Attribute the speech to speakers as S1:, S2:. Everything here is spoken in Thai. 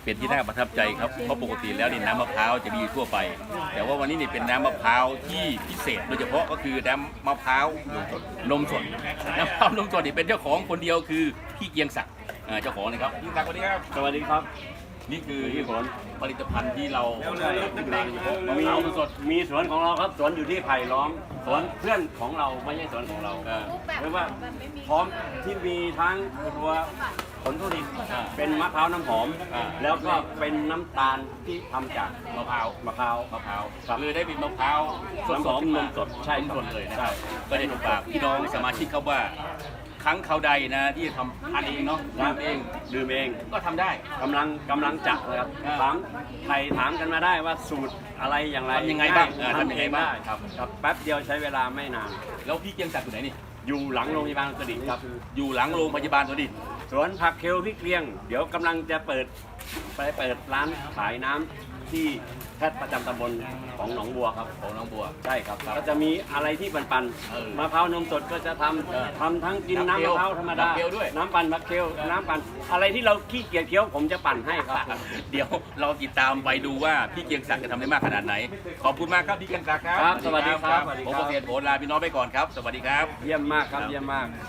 S1: เป็นที่น่าประทับใจครับเพราะปกติแล้วนี่น้ำมะพร้าวจะมีอยู่ทั่วไป แต่ว่าวันนี้นี่เป็นน้ำมะพร้าวที่พิเศษโดยเฉพาะก็คือน้ำมะพร้าวนมสดน้ำมะพร้าวนมสดนี่เป็นเจ้าของคนเดียวคือพี่เกียงศักดิ์เจ้าของนะครับพี่ศักดิ์สวัสดีครับ
S2: สวัสดีครับ
S1: นี่คือผลิตภัณฑ์ที่เรามะ
S2: มี
S1: พร้าวสด
S2: มีสวนของเราครับสวนอยู่ที่ไผ่ล้อมสวนเพื่อนของเราไม่ใช่สวนของเราเรียกว่าพร้อมที่มีทั้งตัวผลผลิตเป็นมะพร้าวน้ำหอม แล้วก็เป็นน้ำตาลที่ทำจาก
S1: มะพร้าว
S2: มะพร้าว
S1: มะพร้าว
S2: ครับ
S1: คือได้เป็นมะพร้าวสด
S2: น้ำหอม
S1: ขึ้น
S2: น
S1: มาม
S2: สดใช่
S1: นม
S2: ครับ
S1: สดเลยนะ
S2: ใช่
S1: ก็ได้ถูกปากพี่น้องสมาชิกเขาว่าครั้งเขาวใดนะที่จะทำทานเองเนาะทำเอง
S2: ดื่มเอง
S1: ก็ทำได้
S2: กำลังจักเลยครับถามใครถามกันมาได้ว่าสูตรอะไรอย่างไร
S1: ทำยังไงบ้าง
S2: ทำยังไงบ้าง
S1: ครับ
S2: ครับแป๊บเดียวใช้เวลาไม่นาน
S1: แล้วพี่เกียงศักดิ์อยู่ไหนนี่
S2: อยู่หลังโรงพยาบาลกระดิ่งครับ
S1: อยู่หลังโรงพยาบาลตัวดิ
S2: สวนผักเคลพี่เกลียง เดี๋ยวกำลังจะเปิดร้านขายน้ำที่แพทย์ประจำตำบลของหนองบัวครับ
S1: ของน้องบัว
S2: ใช่ครับก็จะมีอะไรที่ปัน
S1: เออ
S2: ๆมะพร้าวนมสดก็จะทำทั้งกิน
S1: น้ำ
S2: น้ำ
S1: เคี้ยว
S2: มะพร้าวธรรมดา
S1: น้ำเคี้ยวด้วย
S2: น้ำปั่นมะเคลน้ำปั่นอะไรที่เราขี้เกียจเคี้ยวผมจะปั่นให้ครับ
S1: เดี๋ยวเราติดตามไปดูว่าพี่เกียงศักดิ์จะทำได้มากขนาดไหน ขอบคุณมากครับพี่เกียงศักดิ์ครับ
S2: ครับสวัสดีครับ
S1: ผมเกษตรโหลาพี่น้องไปก่อนครับ สวัสดีครับ
S2: เยี่ยมมากครับเยี่ยมมาก